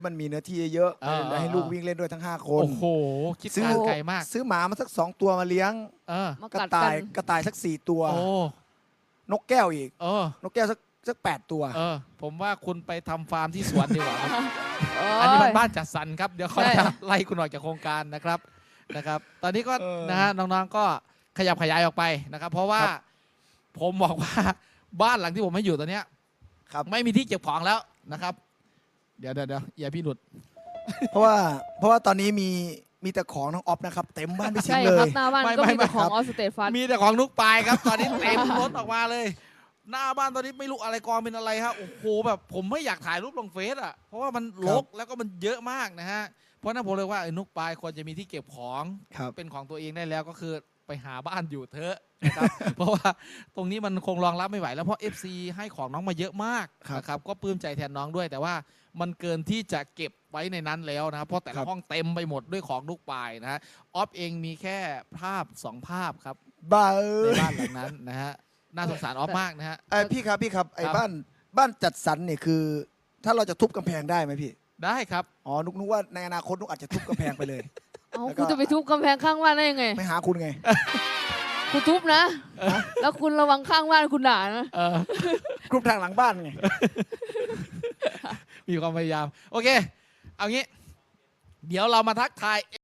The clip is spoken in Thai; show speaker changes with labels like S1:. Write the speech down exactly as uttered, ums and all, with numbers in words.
S1: มันมีเนื้อที่เยอะ
S2: เออ
S1: ให้ลูกวิ่งเล่นด้วยทั้งห้าคน
S2: โอ้โหคิด
S1: ซื้อ
S2: การไกลมาก
S1: ซื้อหมามาสักสองตัวมาเลี้ยง
S2: เออ
S3: มาก
S1: ระ
S3: กัด
S1: ต่า
S3: กั
S1: ย
S3: น
S1: กระต่ายสักสี่ตัว
S2: โอ้
S1: นกแก้วอีก
S2: เออ
S1: นกแก้วสักสักแปดตัว
S2: เออ ผมว่าคุณไปทำฟาร์มที่สวนดีกว่าครับ
S3: โอ้
S2: อันนี้มัน
S3: ย
S2: บ้านจัดสรรครับ เดี๋ยวเขา
S3: ใช่
S2: จะไล่คุณออกจากโครงการนะครับนะครับ ตอนนี้ก็
S1: เออ
S2: นะฮะน้องๆก็ขยับขยายออกไปนะครับ เพราะว่า
S1: ครับ
S2: ผมบอกว่า บ้านหลังที่ผมให้อยู่ตอนเนี้ย
S1: ครับ
S2: ไม่มีที่เก็บของแล้วนะครับ เดี๋ยวเดี๋ยวเดี๋ยวอย่าพี่หลุด
S1: เพราะว่าเพราะว่าตอนนี้มีมีแต่ของน้องออฟนะครับ เต็มบ้านพี่สิง
S3: ใช่
S1: ห์เล
S3: ครั
S1: ย
S3: บหน้าบ้าน
S2: ไม่
S3: ก็
S2: ไม่
S3: มี
S2: ไม่
S3: แต่ของ
S1: ครับ
S3: ออสเตทฟัน
S2: มีแต่ของนุกปลายครับ ตอนนี้เต็มรถออกมาเลย หน้าบ้านตอนนี้ไม่รู้อะไรกองเป็นอะไรฮะโอ้โหแบบผมไม่อยากถ่ายรูปลงเฟซอ่ะเพราะว่ามันรกแล้วก็มันเยอะมากนะฮะเพราะนั้นผมเลยว่าไอ้นุกปลายควรจะมีที่เก็บของ
S1: ครับ
S2: เป็นของตัวเองได้แล้วก็คือไปหาบ้านอยู่เถอะนะครับ เพราะว่าตรงนี้มันคงรองรับไม่ไหวแล้วเพราะ เอฟ ซี ให้ของน้องมาเยอะมาก
S1: ครับ
S2: นะครับก็ปลื้มใจแทนน้องด้วย แต่ว่ามันเกินที่จะเก็บไว้ในนั้นแล้วนะครับเพราะแต่
S1: ครั
S2: ละ
S1: บ
S2: ห้องเต็มไปหมดด้วยของนุกปลายนะฮะออฟเองมีแค่ภาพสองภาพครับ
S1: บ้า
S2: ใน
S1: เอ้ย
S2: บ้านหลังนั้นนะฮะ น่าสงสารออฟมากนะฮะ
S1: ไอยพี่ครับพี่ครับไอ้
S2: ครับ
S1: บ้านบ้านจัดสรรเนี่ยคือ ถ้าเราจะทุบกำแพงได้ไหมพี่
S2: ได้ครับ
S1: อ๋อนุกนึกว่าในอนาคตนุกอาจจะทุบกำแพงไปเลย
S3: เอ้า
S1: แล้วก็
S3: คุณจะไปทุบกำแพงข้างบ้านได้ยังไง
S1: ไม่หาคุณไง
S3: คุณทุบนะ แล้วคุณระวังข้างบ้านคุณด่านะ
S2: เออ
S1: กรุ๊ปทางหลังบ้านไง
S2: มีความพยายาม โอเค เอางี้ เดี๋ยวเรามาทักทาย